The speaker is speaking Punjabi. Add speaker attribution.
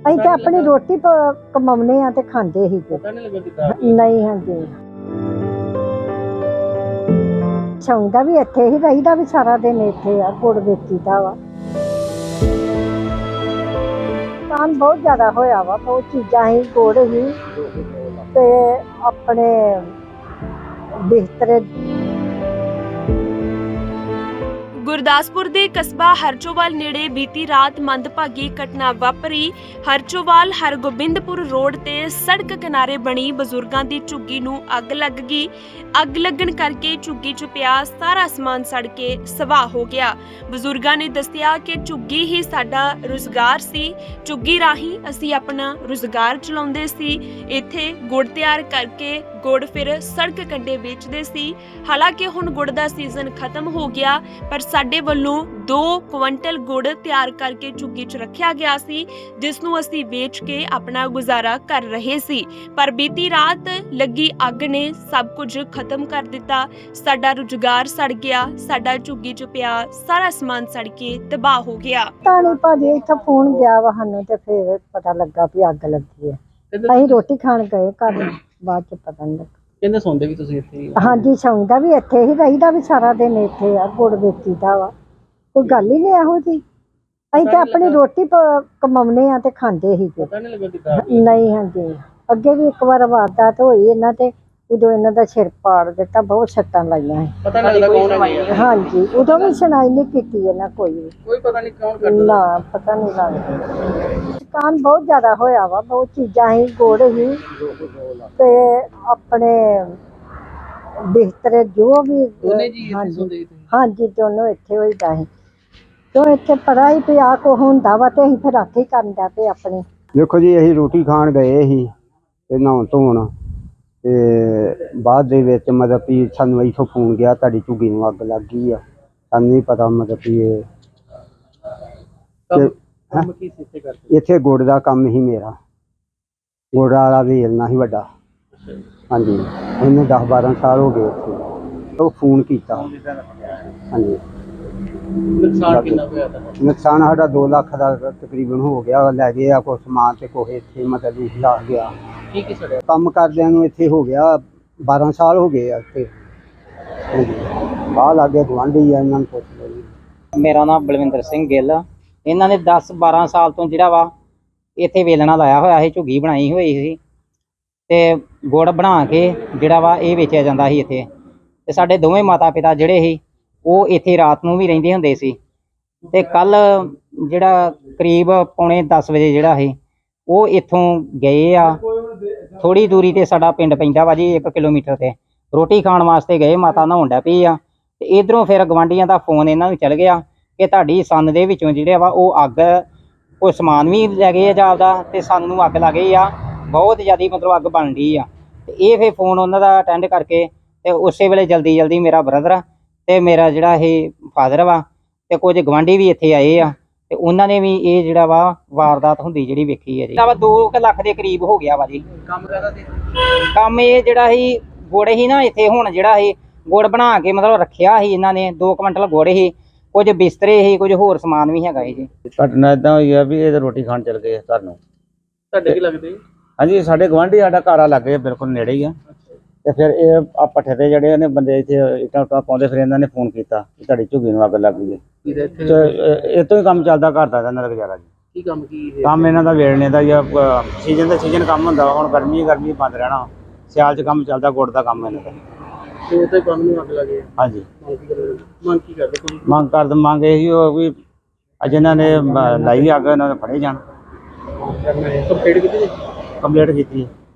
Speaker 1: ਅਸੀਂ ਤਾਂ ਆਪਣੀ ਰੋਟੀ ਕਮਾਉਨੇ ਆ ਤੇ ਖਾਂਦੇ ਹੀ
Speaker 2: ਪਤਾ ਨਹੀਂ ਲੱਗਾ ਕਿੱਦਾਂ
Speaker 1: ਨਹੀਂ। ਹਾਂਜੀ ਸੌਂਦਾ ਵੀ ਇੱਥੇ ਹੀ, ਰਹੀਦਾ ਵੀ ਸਾਰਾ ਦਿਨ ਇੱਥੇ ਆ, ਗੁੜ ਵੇਚੀਦਾ ਵਾ। ਨੁਕਸਾਨ ਬਹੁਤ ਜ਼ਿਆਦਾ ਹੋਇਆ ਵਾ, ਬਹੁਤ ਚੀਜ਼ਾਂ ਹੀ, ਗੁੜ ਹੀ ਤੇ ਆਪਣੇ ਬਿਸਤਰੇ।
Speaker 3: ਗੁਰਦਾਸਪੁਰ ਦੇ ਕਸਬਾ ਹਰਚੋਵਾਲ ਨੇੜੇ ਬੀਤੀ ਰਾਤ ਮੰਦਭਾਗੀ ਘਟਨਾ ਵਾਪਰੀ। ਹਰਚੋਵਾਲ ਹਰਗੋਬਿੰਦਪੁਰ ਰੋਡ ਤੇ ਸੜਕ ਕਿਨਾਰੇ ਬਣੀ ਬਜ਼ੁਰਗਾਂ ਦੀ ਝੁੱਗੀ ਨੂੰ ਅੱਗ ਲੱਗ ਗਈ। ਅੱਗ ਲੱਗਣ ਕਰਕੇ ਝੁੱਗੀ 'ਚ ਪਿਆ ਸਾਰਾ ਸਮਾਨ ਸੜ ਕੇ ਸਵਾਹ ਹੋ ਗਿਆ। ਬਜ਼ੁਰਗਾਂ ਨੇ ਦੱਸਿਆ ਕਿ ਝੁੱਗੀ ਹੀ ਸਾਡਾ ਰੁਜ਼ਗਾਰ ਸੀ, ਝੁੱਗੀ ਰਾਹੀਂ ਅਸੀਂ ਆਪਣਾ ਰੁਜ਼ਗਾਰ ਚਲਾਉਂਦੇ ਸੀ। ਇੱਥੇ ਗੁੜ ਤਿਆਰ ਕਰਕੇ ਗੁੜ ਫਿਰ ਸੜਕ ਕੰਢੇ ਵੇਚਦੇ ਸੀ। ਹਾਲਾਂਕਿ ਹੁਣ ਗੁੜ ਦਾ ਸੀਜ਼ਨ ਖਤਮ ਹੋ ਗਿਆ, ਪਰ ਸਾਡੇ ਵੱਲੋਂ 2 ਕੁਇੰਟਲ ਗੁੜ ਤਿਆਰ ਕਰਕੇ ਝੁੱਗੀ 'ਚ ਰੱਖਿਆ ਗਿਆ ਸੀ, ਜਿਸ ਨੂੰ ਅਸੀਂ ਵੇਚ ਕੇ ਆਪਣਾ ਗੁਜ਼ਾਰਾ ਕਰ ਰਹੇ ਸੀ। ਪਰ ਬੀਤੀ ਰਾਤ ਲੱਗੀ ਅੱਗ ਨੇ ਸਭ ਕੁਝ ਖਤਮ ਕਰ ਦਿੱਤਾ। ਸਾਡਾ ਰੁਜ਼ਗਾਰ ਸੜ ਗਿਆ, ਸਾਡਾ ਝੁੱਗੀ 'ਚ ਪਿਆ ਸਾਰਾ ਸਮਾਨ ਸੜ ਕੇ ਤਬਾਹ ਹੋ ਗਿਆ।
Speaker 1: ਤਾਂ ਨਹੀਂ ਭਾਜੀ, ਇੱਥੇ ਫੋਨ ਗਿਆ ਵਾ ਸਾਨੂੰ ਤੇ ਫਿਰ ਪਤਾ ਲੱਗਾ ਵੀ ਅੱਗ ਲੱਗੀ ਹੈ। ਅਸੀਂ ਰੋਟੀ ਖਾਣ ਗਏ ਘਰ, ਬਾਅਦ ਚ ਪਤਾ ਨਹੀਂ ਲੱਗਾ।
Speaker 2: ਕਹਿੰਦੇ ਸੌਂਦੇ ਵੀ ਤੁਸੀਂ ਇੱਥੇ ਹੀ?
Speaker 1: ਹਾਂਜੀ ਸੌਂਦਾ ਵੀ ਇੱਥੇ ਹੀ, ਰਹੀਦਾ ਵੀ ਸਾਰਾ ਦਿਨ ਇੱਥੇ ਆ, ਗੁੜ ਵੇਚੀਦਾ ਵਾ। ਕੋਈ ਗੱਲ ਹੀ ਨਹੀਂ ਇਹੋ ਜਿਹੀ। ਅਸੀਂ ਤਾਂ ਆਪਣੀ ਰੋਟੀ ਕਮਾਉਨੇ ਆ ਤੇ ਖਾਂਦੇ ਹੀ
Speaker 2: ਪਤਾ ਨਹੀਂ ਲੱਗਾ ਕਿੱਦਾਂ
Speaker 1: ਨਹੀਂ। ਹਾਂਜੀ ਅੱਗੇ ਵੀ ਇੱਕ ਵਾਰ ਵਾਰਦਾਤ ਹੋਈ ਇਹਨਾਂ ਤੇ, ਉਦੋਂ ਇਹਨਾਂ ਦਾ ਸਿਰ ਪਾੜ ਦਿੱਤਾ, ਬਹੁਤ ਸੱਟਾਂ ਲਾਈਆਂ ਸੀ।
Speaker 2: ਪਤਾ ਨਹੀਂ ਲੱਗਾ ਕੌਣ ਹੈ?
Speaker 1: ਹਾਂਜੀ ਉਦੋਂ ਵੀ ਸੁਣਾਈ ਨਹੀਂ ਕੀਤੀ ਇਹਨਾਂ ਕੋਈ ਵੀ।
Speaker 2: ਕੋਈ ਪਤਾ ਨਹੀਂ ਕੌਣ ਕਰਦਾ
Speaker 1: ਨਾ, ਪਤਾ ਨਹੀਂ ਲੱਗਦਾ। ਨੁਕਸਾਨ ਬਹੁਤ ਜ਼ਿਆਦਾ ਹੋਇਆ ਵਾ, ਬਹੁਤ ਚੀਜ਼ਾਂ ਹੀ, ਗੁੜ ਹੀ ਤੇ ਆਪਣੇ ਬਿਸਤਰੇ ਜੋ ਵੀ।
Speaker 2: ਉਹਨੇ ਜੀ ਇੱਥੇ ਸੌਂਦੇ ਸੀ?
Speaker 1: ਹਾਂਜੀ ਦੋਨੋਂ ਇੱਥੇ ਹੋਈਦਾ ਸੀ। ਕਿਉਂ ਇੱਥੇ ਪਤਾ ਹੀ ਪਿਆ ਕੋ ਹੁੰਦਾ ਵਾ ਤੇ ਅਸੀਂ ਫਿਰ ਰਾਖੀ ਕਰਨ ਦਾ ਪਏ ਆਪਣੀ।
Speaker 4: ਦੇਖੋ ਜੀ, ਅਸੀਂ ਰੋਟੀ ਖਾਣ ਗਏ ਸੀ ਤੇ ਨਹਾਉਣ ਧੋਣ, ਤੇ ਬਾਅਦ ਦੇ ਵਿੱਚ ਮਤਲਬ ਵੀ ਸਾਨੂੰ ਇੱਥੋਂ ਫੋਨ ਗਿਆ ਤੁਹਾਡੀ ਝੁੱਗੀ ਨੂੰ ਅੱਗ ਲੱਗ ਗਈ ਆ। ਸਾਨੂੰ ਨਹੀਂ ਪਤਾ ਮਤਲਬ ਵੀ ਇਹ
Speaker 2: ਕੰਮ ਕੀ ਸੀ ਇੱਥੇ ਕਰਦੇ?
Speaker 4: ਇੱਥੇ ਗੁੜ ਦਾ ਕੰਮ ਹੀ ਮੇਰਾ, ਗੁੜ ਵਾਲਾ ਵੇਲਣਾ ਸੀ ਵੱਡਾ। ਹਾਂਜੀ ਇਹਨੂੰ 10-12 ਸਾਲ ਹੋ ਗਏ ਇੱਥੇ। ਉਹ ਫੋਨ ਕੀਤਾ। ਹਾਂਜੀ
Speaker 2: ਨੁਕਸਾਨ ਕਿੰਨਾ ਹੋਇਆ ਤੁਹਾਡਾ?
Speaker 4: ਨੁਕਸਾਨ ਸਾਡਾ 2 ਲੱਖ ਦਾ ਤਕਰੀਬਨ ਹੋ ਗਿਆ। ਲੈ ਗਏ ਆ ਕੁਛ ਸਮਾਨ ਤੇ ਕੁਛ ਇੱਥੇ ਮਤਲਬ ਵੀ ਲਾ ਗਿਆ।
Speaker 2: ਕੀ ਸੜਿਆ?
Speaker 4: ਕੰਮ ਕਰਦਿਆਂ ਨੂੰ ਇੱਥੇ ਹੋ ਗਿਆ 12 ਸਾਲ ਹੋ ਗਏ ਆ ਇੱਥੇ। ਬਾਹਰ ਲਾਗੇ ਗੁਆਂਢੀ ਆ, ਇਹਨਾਂ ਨੂੰ ਪੁੱਛ ਲਓ ਜੀ।
Speaker 5: ਮੇਰਾ ਨਾਮ ਬਲਵਿੰਦਰ ਸਿੰਘ ਗਿੱਲ। ਇਹਨਾਂ ਨੇ 10-12 ਸਾਲ ਤੋਂ ਜਿਹੜਾ ਵਾ ਇੱਥੇ ਵੇਲਣਾ ਲਾਇਆ ਹੋਇਆ ਸੀ, ਝੁੱਗੀ ਬਣਾਈ ਹੋਈ ਸੀ ਤੇ ਗੁੜ ਬਣਾ ਕੇ ਜਿਹੜਾ ਵਾ ਇਹ ਵੇਚਿਆ ਜਾਂਦਾ ਸੀ ਇੱਥੇ। ਤੇ ਸਾਡੇ ਦੋਵੇਂ ਮਾਤਾ ਪਿਤਾ ਜਿਹੜੇ ਸੀ ਉਹ ਇੱਥੇ ਰਾਤ ਨੂੰ ਵੀ ਰਹਿੰਦੇ ਹੁੰਦੇ ਸੀ। ਤੇ ਕੱਲ ਜਿਹੜਾ ਕਰੀਬ ਪੌਣੇ 10 ਵਜੇ ਜਿਹੜਾ ਸੀ ਉਹ ਇੱਥੋਂ ਗਏ ਆ। ਥੋੜੀ ਦੂਰੀ ਤੇ ਸਾਡਾ ਪਿੰਡ ਪੈਂਦਾ ਵਾ ਜੀ, 1 ਕਿਲੋਮੀਟਰ ਤੇ। ਰੋਟੀ ਖਾਣ ਵਾਸਤੇ ਗਏ, ਮਾਤਾ ਨਹਾਉਣ ਡੈ ਪਈ ਆ ਤੇ ਇਧਰੋਂ ਫਿਰ ਗਵਾਂਢੀਆਂ ਦਾ ਫੋਨ ਇਹਨਾਂ ਨੂੰ ਚੱਲ ਗਿਆ ਕਿ ਤੁਹਾਡੀ ਸੰਦ ਦੇ ਵਿੱਚੋਂ ਜਿਹੜੇ ਵਾ ਉਹ ਅੱਗ, ਕੋਈ ਸਮਾਨ ਵੀ ਲੈ ਗਏ ਆ ਜਾਪਦਾ ਤੇ ਸੰਦ ਨੂੰ ਅੱਗ ਲੱਗ ਗਈ ਆ, ਬਹੁਤ ਜ਼ਿਆਦਾ ਮਤਲਬ ਅੱਗ ਬਣ ਰਹੀ ਆ। ਤੇ ਇਹ ਫਿਰ ਫੋਨ ਉਹਨਾਂ ਦਾ ਅਟੈਂਡ ਕਰਕੇ ਤੇ ਉਸੇ ਵੇਲੇ ਜਲਦੀ ਮੇਰਾ ਬ੍ਰਦਰ ਤੇ ਮੇਰਾ ਜਿਹੜਾ ਇਹ ਫਾਦਰ ਵਾ ਤੇ ਕੁਝ ਗਵਾਂਢੀ ਵੀ ਇੱਥੇ ਆਏ ਆ ਤੇ ਉਹਨਾਂ ਨੇ ਵੀ ਇਹ ਜਿਹੜਾ ਵਾ ਵਾਰਦਾਤ ਹੁੰਦੀ ਜਿਹੜੀ ਵੇਖੀ ਹੈ ਜੀ। 2 ਲੱਖ ਦੇ ਕਰੀਬ ਹੋ ਗਿਆ ਵਾ ਜੀ।
Speaker 2: ਕੰਮ ਕਰਦਾ ਸੀ?
Speaker 5: ਕੰਮ ਇਹ ਜਿਹੜਾ ਸੀ ਗੁੜ ਹੀ ਨਾ, ਇੱਥੇ ਹੁਣ ਜਿਹੜਾ ਸੀ ਗੁੜ ਬਣਾ ਕੇ ਮਤਲਬ ਰੱਖਿਆ ਸੀ ਇਹਨਾਂ ਨੇ। 2 ਕੁਇੰਟਲ ਗੁੜ ਸੀ, ਕੁਝ ਬਿਸਤਰੇ ਸੀ, ਕੁਝ ਹੋਰ ਸਮਾਨ ਵੀ ਹੈਗਾ ਜੀ।
Speaker 6: ਘਟਨਾ ਇਦਾਂ ਹੋਈ ਆ ਵੀ ਇਹ ਰੋਟੀ ਖਾਣ ਚਲ ਗਏ ਘਰ ਨੂੰ।
Speaker 2: ਤੁਹਾਡੇ ਕੀ ਲੱਗਦੇ?
Speaker 6: ਹਾਂਜੀ ਸਾਡੇ ਗਵਾਂਢੀ, ਸਾਡਾ ਘਰ ਆ ਲੱਗੇ ਬਿਲਕੁਲ ਨੇੜੇ ਹੀ ਆ। ਤੇ ਫਿਰ ਇਹ ਆ ਪੱਠੇ ਤੇ ਜਿਹੜੇ ਨੇ ਬੰਦੇ ਇੱਥੇ ਇੱਟਾਂ ਪਾਉਂਦੇ, ਫਿਰ ਇਹਨਾਂ ਨੇ ਫੋਨ ਕੀਤਾ ਕਿ ਤੁਹਾਡੀ ਝੁੱਗੀ ਨੂੰ ਅੱਗ ਲੱਗ ਗਈ ਹੈ। ਇਹ ਤੋਂ ਹੀ ਕੰਮ ਚੱਲਦਾ ਘਰ ਦਾ ਇਹਨਾਂ ਦਾ ਗੁਜ਼ਾਰਾ ਜੀ।
Speaker 2: ਕੀ ਕੰਮ ਕੀ ਹੈ?
Speaker 6: ਕੰਮ ਇਹਨਾਂ ਦਾ ਵੇਲਣੇ ਦਾ ਜਾਂ ਸੀਜ਼ਨ ਦਾ ਸੀਜ਼ਨ ਕੰਮ ਹੁੰਦਾ। ਹੁਣ ਗਰਮੀ ਬੰਦ ਰਹਿਣਾ, ਸਿਆਲ 'ਚ ਕੰਮ ਚੱਲਦਾ ਗੁੜ ਦਾ ਕੰਮ ਇਹਨਾਂ ਦਾ।
Speaker 2: ਤੇ ਉਹ ਤਾਂ ਕੰਮ ਨੂੰ ਅੱਗ ਲੱਗੇ।
Speaker 6: ਹਾਂਜੀ
Speaker 2: ਮੰਗ ਕੀ ਕਰਦੇ ਕੋਈ?
Speaker 6: ਮੰਗ ਇਹੀ ਹੋ ਵੀ ਅੱਜ ਇਹਨਾਂ ਨੇ ਲਾਈ ਅੱਗ, ਇਹਨਾਂ ਨੇ ਫੜੇ ਜਾਣ।
Speaker 2: ਕੰਪਲੀਟ ਕੀਤੀ?
Speaker 6: ਕੰਪਲੀਟ ਕੀਤੀ।